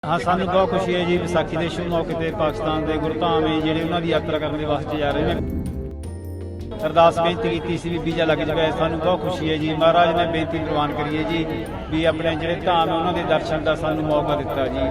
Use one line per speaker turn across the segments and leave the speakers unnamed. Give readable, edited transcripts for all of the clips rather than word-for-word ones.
हाँ सानू बहुत खुशी है जी विसाखी के शुभ मौके पर पाकिस्तान के गुरधाम ਜਿਹੜੇ ਉਹਨਾਂ ਦੀ ਯਾਤਰਾ ਕਰਨ ਦੇ ਵਾਸਤੇ ਜਾ ਰਹੇ ਨੇ। अरदास बेनती की सी भी वीजा लग चुका है। सानू बहुत खुशी है जी महाराज ने बेनती प्रवान करी है जी भी अपने ਜਿਹੜੇ धाम है उन्होंने दर्शन का सानू मौका दिता जी।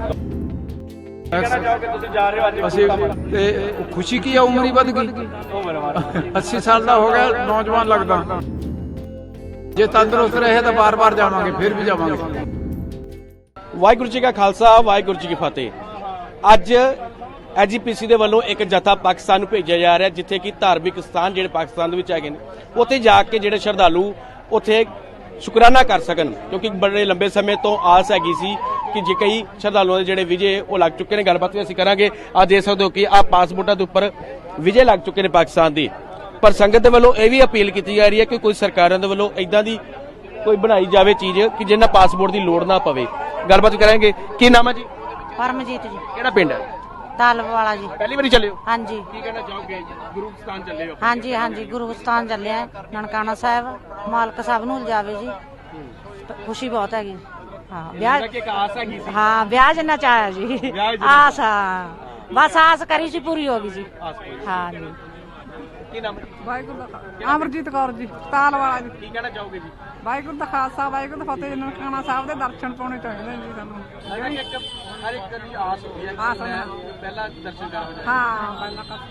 खुशी की है उम्र ही बद गई 80 साल का हो गया नौजवान लगता जे तंदुरुस्त रहे तो बार बार जावांगे फिर भी जावांगे।
वाहिगुरू जी का खालसा वाहिगुरू जी की फतेह। अज एजीपीसी ਦੇ ਵੱਲੋਂ ਇੱਕ ਜਥਾ ਪਾਕਿਸਤਾਨ ਨੂੰ ਭੇਜਿਆ ਜਾ ਰਿਹਾ ਜਿੱਥੇ ਕਿ ਧਾਰਮਿਕ ਸਥਾਨ ਜਿਹੜੇ ਪਾਕਿਸਤਾਨ ਦੇ ਵਿੱਚ ਹੈਗੇ ਨੇ ਉੱਥੇ ਜਾ ਕੇ ਜਿਹੜੇ ਸ਼ਰਧਾਲੂ ਉੱਥੇ ਸ਼ੁਕਰਾਨਾ ਕਰ ਸਕਣ ਕਿਉਂਕਿ ਬੜੇ ਲੰਬੇ ਸਮੇਂ ਤੋਂ ਆਸ ਹੈਗੀ ਸੀ ਕਿ ਜੇ ਕਈ ਸ਼ਰਧਾਲੂਆਂ ਦੇ ਜਿਹੜੇ ਵਿਜੇ ਉਹ ਲੱਗ ਚੁੱਕੇ ਨੇ। ਗੱਲਬਾਤ ਵੀ ਅਸੀਂ ਕਰਾਂਗੇ। ਆ ਦੇਖ ਸਕਦੇ ਹੋ ਕਿ ਆ ਪਾਸਪੋਰਟਾਂ ਦੇ ਉੱਪਰ ਵਿਜੇ ਲੱਗ ਚੁੱਕੇ ਨੇ ਪਾਕਿਸਤਾਨ ਦੇ, ਪਰ ਸੰਗਤ ਦੇ ਵੱਲੋਂ ਇਹ ਵੀ ਅਪੀਲ ਕੀਤੀ ਜਾ ਰਹੀ ਹੈ ਕਿ ਕੋਈ ਸਰਕਾਰਾਂ ਦੇ ਵੱਲੋਂ ਇਦਾਂ ਦੀ ਕੋਈ ਬਣਾਈ ਜਾਵੇ ਚੀਜ਼ ਕਿ ਜਿਹਨਾਂ ਪਾਸਪੋਰਟ ਦੀ ਲੋੜ ਨਾ ਪਵੇ। ਗੱਲਬਾਤ ਕਰਾਂਗੇ। ਕੀ ਨਾਮ ਹੈ ਜੀ?
परमजीत जी
ਕਿਹੜਾ ਪਿੰਡ ਹੈ?
तालवाला जी।
ਪਹਿਲੀ ਵਾਰੀ ਚੱਲੇ ਹੋ?
हाँ जी
ਕੀ ਕਹਿਣਾ ਚਾਹੋਗੇ? ਗੁਰੂ ਸਥਾਨ ਚੱਲੇ ਹੋ?
हाँ जी हाँ जी गुरु स्थान चले हैं ननकाना साहब मालक साहब नूं जावे जी। खुशी बहुत हैगी। हाँ ब्याह
ਕਿ ਇੱਕ ਆਸ ਹੈਗੀ ਸੀ।
हाँ ब्याह जिन्ना चाया जी
ब्याह जिन्ना
आस हाँ बस आस करी सी पूरी होगी जी।
ਆਸ ਕੋਈ।
हाँ जी
ਕੀ ਨਾਮ ਹੈ?
ਵਾਹਿਗੁਰੂ ਦਾ ਅਮਰਜੀਤ ਕੌਰ ਜੀ ਤਾਲਵਾਲਾ ਜੀ।
ਕੀ ਕਹਿਣਾ ਚਾਹੋਗੇ ਜੀ?
ਵਾਹਿਗੁਰੂ ਦਾ ਖਾਲਸਾ ਵਾਹਿਗੁਰੂ ਦਾ ਫਤਿਹ। ਨਨਕਾਣਾ ਸਾਹਿਬ ਦੇ ਦਰਸ਼ਨ ਪਾਉਣੇ ਚਾਹੀਦੇ ਨੇ ਜੀ ਸਾਨੂੰ।
ਹਰ ਇੱਕ ਦੀ ਆਸ ਹੁੰਦੀ ਹੈ
ਆਸ
ਕਿ ਮੈਂ
ਹੈ।
ਪਹਿਲਾਂ ਦਰਸ਼ਨ ਕਰਾਂ।
ਹਾਂ ਪਹਿਲਾਂ ਤਾਂ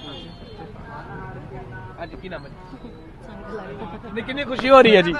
ਅੱਜ ਕੀ ਨਾਮ ਹੈ? ਕਿੰਨੀ ਖੁਸ਼ੀ ਹੋ ਰਹੀ ਹੈ ਜੀ?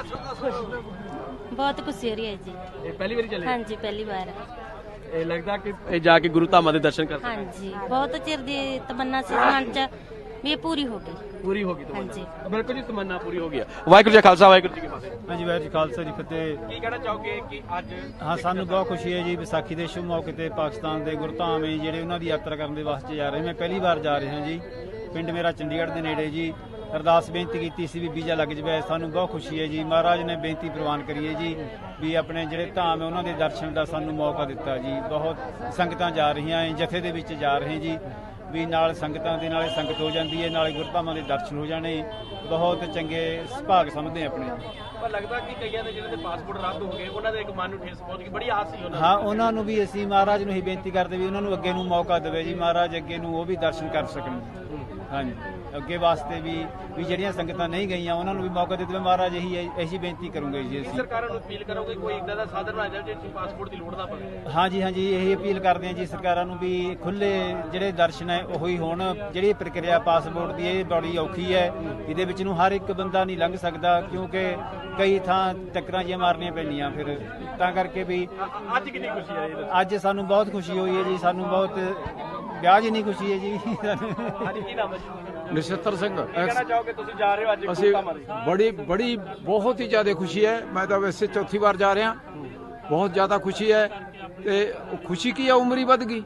बहुत खुशी हो रही है जी।
ਇਹ ਪਹਿਲੀ ਵਾਰੀ ਚੱਲੇ?
हाँ जी पहली बार।
ਇਹ ਲੱਗਦਾ ਕਿ ਇਹ ਜਾ ਕੇ ਗੁਰੂ ਧਾਮਾਂ ਦੇ ਦਰਸ਼ਨ ਕਰ
हाँ जी बहुत चिर दी तमन्ना सी मन च भी ये पूरी हो गई।
ਪੂਰੀ ਹੋ ਗਈ
हाँ
ਤਮੰਨਾ।
जी
ਬਿਲਕੁਲ ਜੀ ਤਮੰਨਾ ਪੂਰੀ ਹੋ ਗਈ ਹੈ। ਵਾਹਿਗੁਰੂ ਜੀ ਕਾ ਖਾਲਸਾ ਵਾਹਿਗੁਰੂ ਜੀ ਕੀ ਫਤਿਹ।
हाँ जी वाहिगुरू जी खालसा जी फतेह।
ਕੀ ਕਹਿਣਾ ਚਾਹੋਗੇ ਕਿ ਅੱਜ
हाँ सानू बहुत खुशी है जी विसाखी के शुभ मौके पर पाकिस्तान के गुरधाम है ਜਿਹੜੇ ਉਹਨਾਂ ਦੀ ਯਾਤਰਾ ਕਰਨ ਦੇ ਵਾਸਤੇ ਜਾ ਰਹੇ। मैं पहली बार जा रहा जी। पिंड मेरा चंडीगढ़ के नेड़े जी। अरदास बेनती की सी भी वीजा लग जाए। सानू बहुत खुशी है जी महाराज ने बेनती प्रवान करी है जी भी अपने ਜਿਹੜੇ धाम है उन्होंने दर्शन का सानू मौका दिता जी। बहुत संगतां जा रही हैं जथे ਦੇ ਵਿੱਚ ਜਾ ਰਹੇ जी ਵੀ ਨਾਲ ਸੰਗਤਾਂ ਦੇ ਨਾਲੇ ਸੰਗਤ ਹੋ ਜਾਂਦੀ ਹੈ ਨਾਲੇ ਗੁਰਧਾਮਾਂ ਦੇ ਦਰਸ਼ਨ ਹੋ ਜਾਣੇ। ਬਹੁਤ ਚੰਗੇ ਸੁਭਾਗ ਸਮਝਦੇ ਆਪਣੇ।
ਪਰ ਲੱਗਦਾ ਕਿ ਕਈਆਂ ਦੇ ਜਿਹੜੇ ਪਾਸਪੋਰਟ ਰੱਦ ਹੋ ਗਏ ਉਹਨਾਂ ਦੇ ਇੱਕ ਮਨ ਨੂੰ ਠੇਸ ਪਹੁੰਚ ਗਈ। ਬੜੀ ਆਸ ਸੀ ਉਹਨਾਂ
ਹਾਂ ਉਹਨਾਂ ਨੂੰ ਵੀ ਅਸੀਂ ਮਹਾਰਾਜ ਨੂੰ ਹੀ ਬੇਨਤੀ ਕਰਦੇ ਵੀ ਉਹਨਾਂ ਨੂੰ ਅੱਗੇ ਨੂੰ ਮੌਕਾ ਦੇਵੇ ਜੀ। ਮਹਾਰਾਜ ਅੱਗੇ ਨੂੰ ਉਹ ਵੀ ਦਰਸ਼ਨ ਕਰ ਸਕਣ। ਹਾਂਜੀ ਅੱਗੇ ਵਾਸਤੇ ਵੀ ਜਿਹੜੀਆਂ ਸੰਗਤਾਂ ਨਹੀਂ ਗਈਆਂ ਉਹਨਾਂ ਨੂੰ ਵੀ ਮੌਕਾ ਦੇ ਦੇਵੇ ਮਹਾਰਾਜ। ਇਹੀ ਬੇਨਤੀ ਕਰੂੰਗੇ ਜੀ ਅਸੀਂ।
ਸਰਕਾਰਾਂ ਨੂੰ ਅਪੀਲ ਕਰੋਗੇ ਕੋਈ ਇਦਾਂ ਦਾ ਸਾਧਨ ਬਣਾ ਜਾਵੇ ਜਿਸ ਪਾਸਪੋਰਟ ਦੀ ਲੋੜ ਨਾ ਪਵੇ।
ਹਾਂਜੀ ਹਾਂਜੀ ਇਹੀ ਅਪੀਲ ਕਰਦੇ ਹਾਂ ਜੀ ਸਰਕਾਰਾਂ ਨੂੰ ਵੀ ਖੁੱਲੇ ਜਿਹੜੇ ਦਰਸ਼ਨ ਹੈ ਉਹੀ ਹੋਣ। ਜਿਹੜੀ ਪ੍ਰਕਿਰਿਆ ਪਾਸਪੋਰਟ ਦੀ ਇਹ ਬੜੀ ਔਖੀ ਹੈ। ਇਹਦੇ ਵਿੱਚ ਨੂੰ ਹਰ ਇੱਕ ਬੰਦਾ ਨਹੀਂ ਲੰਘ ਸਕਦਾ ਕਿਉਂਕਿ ਕਈ ਥਾਂ ਟੱਕਰਾਂ ਜਿਹੀਆਂ ਮਾਰਨੀਆਂ ਪੈਂਦੀਆਂ ਫਿਰ ਤਾਂ ਕਰਕੇ ਵੀ।
ਅੱਜ ਕਿੰਨੀ ਖੁਸ਼ੀ ਹੈ ਇਹ?
ਅੱਜ ਸਾਨੂੰ ਬਹੁਤ ਖੁਸ਼ੀ ਹੋਈ ਹੈ ਜੀ। ਸਾਨੂੰ ਬਹੁਤ ਵਿਆਹ ਜਿੰਨੀ ਖੁਸ਼ੀ ਹੈ ਜੀ।
ਅੱਜ ਕੀ ਨਾਮ ਹੈ ਜੀ?
ਨਛੱਤਰ ਸਿੰਘ।
ਕਹਿਣਾ ਚਾਹੋਗੇ ਤੁਸੀਂ ਜਾ ਰਹੇ ਹੋ ਅੱਜ
ਅਸੀਂ
ਗੁਰੂ ਧਾਮਾਂ ਦੇ?
बड़ी बहुत ही ज्यादा खुशी है। मैं तो वैसे चौथी बार जा रहा। बहुत ज्यादा खुशी है ते खुशी की है उम्र ही बद गई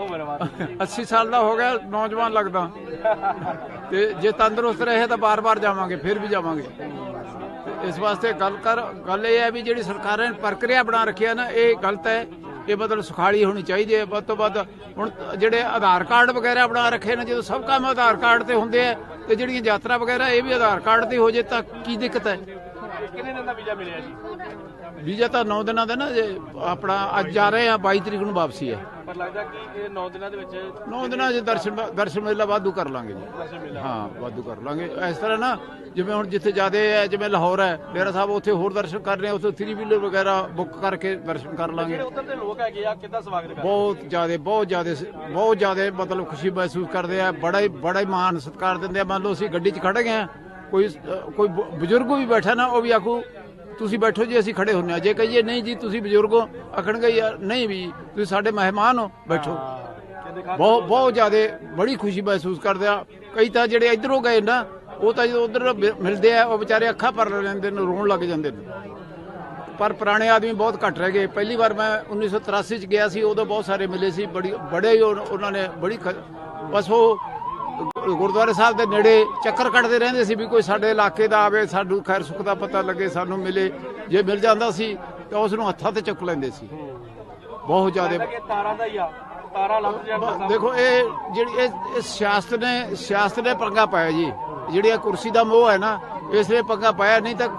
80 साल का हो गया नौजवान लगता ते जे तंदुरुस्त रहे तो बार बार जावांगे फिर भी जावांगे। इस वास्ते गल ये है भी जी सरकार ने प्रक्रिया बना रखी है ना ये गलत है। ये मतलब सुखाली होनी चाहिए ਵੱਧ ਤੋਂ ਵੱਧ। ਹੁਣ ਜਿਹੜੇ ਆਧਾਰ ਕਾਰਡ ਵਗੈਰਾ ਬਣਾ ਰੱਖੇ ਨੇ ਜਦੋਂ ਸਭ ਕੰਮ ਆਧਾਰ ਕਾਰਡ ਤੇ ਹੁੰਦੇ ਆ ਤੇ ਜਿਹੜੀਆਂ ਯਾਤਰਾ ਵਗੈਰਾ ਇਹ ਵੀ ਆਧਾਰ ਕਾਰਡ ਤੇ ਹੋ ਜੇ ਤਾਂ ਕੀ ਦਿੱਕਤ ਹੈ?
ਕਿੰਨੇ ਦਿਨ ਦਾ ਵੀਜ਼ਾ ਮਿਲਿਆ ਜੀ?
ਵੀਜ਼ਾ ਤਾਂ 9 ਦਿਨਾਂ ਦਾ ਨਾ ਜੇ ਆਪਣਾ ਅੱਜ ਜਾ ਰਹੇ ਆ 22 ਤਰੀਕ ਨੂੰ ਵਾਪਸੀ ਹੈ।
ਪਰ ਲੱਗਦਾ ਕਿ ਇਹ 9 ਦਿਨਾਂ ਦੇ ਵਿੱਚ
9 ਦਿਨਾਂ 'ਚ ਦਰਸ਼ਨ ਮੇਲਾ ਵਾਧੂ ਕਰ ਲਾਂਗੇ ਜੀ। ਹਾਂ ਵਾਧੂ ਕਰ ਲਾਂਗੇ। ਇਸ ਤਰ੍ਹਾਂ ਨਾ ਜਿਵੇਂ ਹੁਣ ਜਿੱਥੇ ਜ਼ਿਆਦਾ ਹੈ ਜਿਵੇਂ ਲਾਹੌਰ ਹੈ ਡੇਰਾ ਸਾਹਿਬ ਉੱਥੇ ਹੋਰ ਦਰਸ਼ਨ ਕਰਨੇ ਉੱਥੇ 3 ਵੀਲਰ ਵਗੈਰਾ ਬੁੱਕ ਕਰਕੇ ਦਰਸ਼ਨ ਕਰ ਲਾਂਗੇ।
ਜਿਹੜੇ ਉੱਧਰ ਦੇ ਲੋਕ ਹੈਗੇ ਆ ਕਿੱਦਾਂ ਸਵਾਗਤ ਕਰਦੇ?
ਬਹੁਤ ਜ਼ਿਆਦਾ ਮਤਲਬ ਖੁਸ਼ੀ ਮਹਿਸੂਸ ਕਰਦੇ ਆ। ਬੜਾ ਹੀ ਮਾਣ ਸਤਿਕਾਰ ਦਿੰਦੇ ਆ। ਮੰਨ ਲਓ ਅਸੀਂ ਗੱਡੀ 'ਚ ਖੜੇ ਗਏ ਆ ਕੋਈ ਬਜ਼ੁਰਗ ਵੀ ਬੈਠਾ ਨਾ ਉਹ ਵੀ ਆਖੂ ਤੁਸੀਂ ਬੈਠੋ ਜੀ ਅਸੀਂ ਖੜੇ ਹੁੰਨੇ ਆ। ਜੇ ਕਹੀਏ ਨਹੀਂ ਜੀ ਤੁਸੀਂ ਬਜ਼ੁਰਗੋ ਆਖਣਗੇ ਯਾਰ ਨਹੀਂ ਵੀ ਤੁਸੀਂ ਸਾਡੇ ਮਹਿਮਾਨ ਹੋ ਬੈਠੋ। ਬਹੁਤ ਜ਼ਿਆਦਾ ਬੜੀ ਖੁਸ਼ੀ ਮਹਿਸੂਸ ਕਰਦੇ ਆ। ਕਈ ਤਾਂ ਜਿਹੜੇ ਇੱਧਰੋਂ ਗਏ ਨਾ ਉਹ ਤਾਂ ਜਦੋਂ ਉਧਰ ਮਿਲਦੇ ਆ ਉਹ ਵਿਚਾਰੇ ਅੱਖਾਂ ਭਰ ਲੈਂਦੇ ਨੇ ਰੋਣ ਲੱਗ ਜਾਂਦੇ ਨੇ। ਪਰ ਪੁਰਾਣੇ ਆਦਮੀ ਬਹੁਤ ਘੱਟ ਰਹਿ ਗਏ। ਪਹਿਲੀ ਵਾਰ ਮੈਂ 1983 ਚ ਗਿਆ ਸੀ ਉਦੋਂ ਬਹੁਤ ਸਾਰੇ ਮਿਲੇ ਸੀ। ਬੜੇ ਹੀ ਉਹਨਾਂ ਨੇ ਬਸ ਉਹ ਗੁਰਦੁਆਰੇ ਸਾਹਿਬ ਦੇ ਨੇੜੇ ਚੱਕਰ ਕੱਟਦੇ ਰਹਿੰਦੇ ਸੀ ਵੀ ਕੋਈ ਸਾਡੇ ਇਲਾਕੇ ਦਾ ਆਵੇ ਸਾਨੂੰ ਖੈਰ ਸੁੱਖ ਦਾ ਪਤਾ ਲੱਗੇ ਸਾਨੂੰ ਮਿਲੇ। ਜੇ ਮਿਲ ਜਾਂਦਾ ਸੀ ਤਾਂ ਉਸ ਨੂੰ ਹੱਥਾਂ ਤੇ ਚੁੱਕ ਲੈਂਦੇ ਸੀ। ਬਹੁਤ ਜ਼ਿਆਦਾ
ਤਾਰਾਂ ਦਾ ਹੀ ਆ ਤਾਰਾ ਲੱਭ ਜਾਂਦਾ।
ਦੇਖੋ ਇਹ ਜਿਹੜੀ ਇਹ ਸਿਆਸਤ ਨੇ ਪੰਗਾ ਪਾਇਆ ਜੀ। ਜਿਹੜੀ ਇਹ ਕੁਰਸੀ ਦਾ ਮੋਹ ਹੈ ਨਾ ਇਸ ਲਈ ਪੰਗਾ ਪਾਇਆ। ਨਹੀਂ ਤਾਂ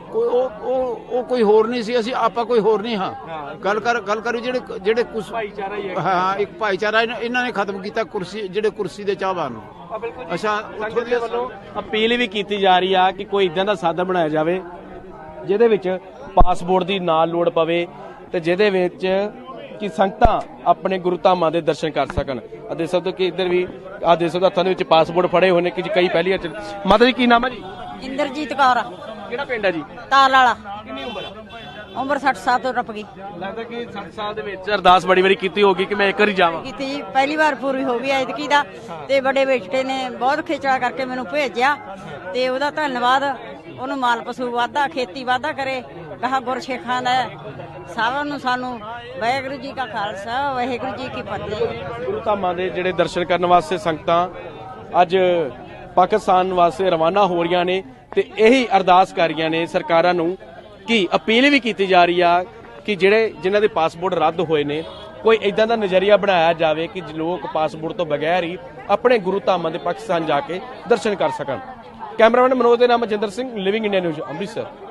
ਕੋਈ ਉਹ ਕੋਈ ਹੋਰ ਨਹੀਂ ਸੀ, ਅਸੀਂ ਆਪਾਂ ਕੋਈ ਹੋਰ ਨਹੀਂ ਹਾਂ। ਗੱਲ ਕਰੀ ਜਿਹੜੇ ਕੁਝ
ਭਾਈਚਾਰਾ ਹੀ ਹੈ।
ਹਾਂ, ਇੱਕ ਭਾਈਚਾਰਾ ਇਹਨਾਂ ਨੇ ਖਤਮ ਕੀਤਾ ਕੁਰਸੀ, ਜਿਹੜੇ ਕੁਰਸੀ ਦੇ ਚਾਹਵਾਨ ਨੂੰ। ਅੱਛਾ, ਉੱਥੋਂ
ਦੇ ਵੱਲੋਂ ਅਪੀਲ ਵੀ ਕੀਤੀ ਜਾ ਰਹੀ ਆ ਕਿ ਕੋਈ ਇਦਾਂ ਦਾ ਸਾਧਨ ਬਣਾਇਆ ਜਾਵੇ ਜਿਹਦੇ ਵਿੱਚ ਪਾਸਪੋਰਟ ਦੀ ਨਾਲ ਲੋੜ ਪਵੇ ਤੇ ਜਿਹਦੇ ਵਿੱਚ ਕਿ ਸੰਗਤਾਂ ਆਪਣੇ ਗੁਰੂ ਧਾਮਾਂ ਦੇ ਦਰਸ਼ਨ ਕਰ ਸਕਣ। ਆ ਦੇਖ ਸਕਦੇ ਹੋ ਕਿ ਇੱਧਰ ਵੀ ਆ ਦੇਖ ਸਕਦੇ ਹੋ ਹੱਥਾਂ ਦੇ ਵਿੱਚ ਪਾਸਪੋਰਟ ਫੜੇ ਹੋਏ ਨੇ ਕਿ ਕਈ ਪਹਿਲੀਆਂ ਚ। ਮਾਤਾ ਜੀ ਕੀ ਨਾਮ ਹੈ ਜੀ?
ਇੰਦਰਜੀਤ ਕੌਰ,
ਕਿਹੜਾ ਪਿੰਡ ਹੈ ਜੀ?
ਤਾਲ ਵਾਲਾ।
ਕਿੰਨੀ ਉਮਰ ਹੈ?
ਉਮਰ 60 ਸਾਲ ਤੋਂ ਟੱਪ ਗਈ।
ਲੱਗਦਾ ਕਿ 60 ਸਾਲ ਦੇ ਵਿੱਚ ਅਰਦਾਸ ਬੜੀ ਵਾਰੀ ਕੀਤੀ ਹੋਗੀ ਕਿ ਮੈਂ ਇੱਕ ਵਾਰੀ ਜਾਵਾਂ।
ਕੀਤੀ ਜੀ, ਪਹਿਲੀ ਵਾਰ ਪੂਰੀ ਹੋ ਗਈ ਐਤਕੀ ਦਾ। ਤੇ ਬੜੇ ਬੇਟੇ ਨੇ ਬਹੁਤ ਖੇਚਲਾ ਕਰਕੇ ਮੈਨੂੰ ਭੇਜਿਆ ਤੇ ਉਹਦਾ ਧੰਨਵਾਦ। ਉਹਨੂੰ ਮਾਲ ਪਸ਼ੂ ਵਾਧਾ, ਖੇਤੀ ਵਾਧਾ ਕਰੇ। ਕਹਾ ਗੁਰਸਿੱਖਾਂ ਦਾ ਸਾਰਿਆਂ ਨੂੰ ਸਾਨੂੰ ਵਾਹਿਗੁਰੂ ਜੀ ਕਾ ਖਾਲਸਾ ਵਾਹਿਗੁਰੂ ਜੀ ਕੀ ਫਤਿਹ।
ਗੁਰੂ ਧਾਮਾਂ ਦੇ ਜਿਹੜੇ ਦਰਸ਼ਨ ਕਰਨ ਵਾਸਤੇ ਸੰਗਤਾਂ ਅੱਜ ਪਾਕਿਸਤਾਨ ਵਾਸਤੇ ਰਵਾਨਾ ਹੋ ਰਹੀਆਂ ਨੇ ਤੇ ਇਹੀ ਅਰਦਾਸ ਕਰ ਰਹੀਆਂ ਨੇ ਸਰਕਾਰਾਂ ਨੂੰ ਕਿ ਅਪੀਲ ਵੀ ਕੀਤੀ ਜਾ ਰਹੀ ਆ ਕਿ ਜਿਨ੍ਹਾਂ ਦੇ ਪਾਸਪੋਰਟ ਰੱਦ ਹੋਏ ਨੇ ਕੋਈ ਇਦਾਂ ਦਾ ਨਜ਼ਰੀਆ ਬਣਾਇਆ ਜਾਵੇ ਕਿ ਲੋਕ ਪਾਸਪੋਰਟ ਤੋਂ ਬਗੈਰ ਹੀ ਆਪਣੇ ਗੁਰੂ ਧਾਮਾਂ ਦੇ ਪਾਕਿਸਤਾਨ ਜਾ ਕੇ ਦਰਸ਼ਨ ਕਰ ਸਕਣ। ਕੈਮਰਾਮੈਨ ਮਨੋਜ ਦੇ ਨਾਮ Majinder Singh, living India news, Amritsar.